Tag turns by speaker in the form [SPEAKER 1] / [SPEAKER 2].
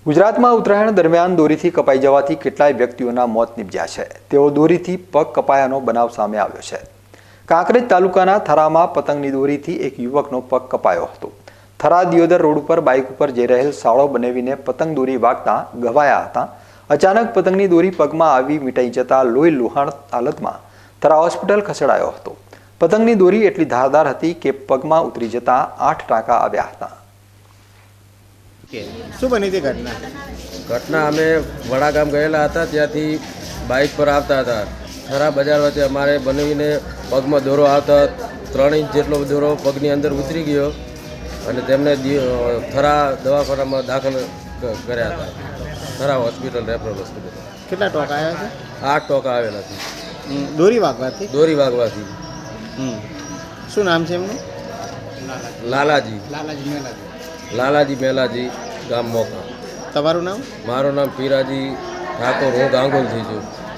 [SPEAKER 1] ગુજરાતમાં ઉત્તરાયણ દરમિયાન દોરીથી કપાઈ જવાથી કેટલાય વ્યક્તિઓના મોત નિપજ્યા છે। તેઓ દોરીથી પગ કપાયાનો બનાવ સામે આવ્યો છે। કાંકરેજ તાલુકાના થરામાં પતંગની દોરીથી એક યુવકનો પગ કપાયો હતો। થરા દિયોદર રોડ ઉપર બાઇક ઉપર જઈ રહેલ સાળો બનાવીને પતંગ દોરી વાગતા ઘવાયા હતા। અચાનક પતંગની દોરી પગમાં આવી મીટાઈ જતા લોહી લુહાણ હાલતમાં થરા હોસ્પિટલ ખસેડાયો હતો। પતંગની દોરી એટલી ધારદાર હતી કે પગમાં ઉતરી જતા 8 ટાંકા આવ્યા હતા।
[SPEAKER 2] શું બની હતી ઘટના?
[SPEAKER 3] અમે વડા ગામ ગયેલા હતા, ત્યાંથી બાઇક પર આવતા હતા। થરા બજાર વચ્ચે અમારે બનાવીને પગમાં દોરો આવતા 3 ઇંચ જેટલો દોરો પગની અંદર ઉતરી ગયો અને તેમને થરા દવાખાનામાં દાખલ કર્યા હતા। Thara hospital, referral hospital.
[SPEAKER 2] કેટલા ટોકા આવ્યા છે?
[SPEAKER 3] 8 ટોકા આવેલા છે
[SPEAKER 2] દોરી વાગવાથી?
[SPEAKER 3] દોરી વાગવાથી।
[SPEAKER 2] શું નામ છે એમનું?
[SPEAKER 3] લાલાજી મેલાજી, ગામ મોકા।
[SPEAKER 2] તમારું નામ?
[SPEAKER 3] મારું નામ પીરાજી ઠાકોર, હું ગાંગોલથી છું।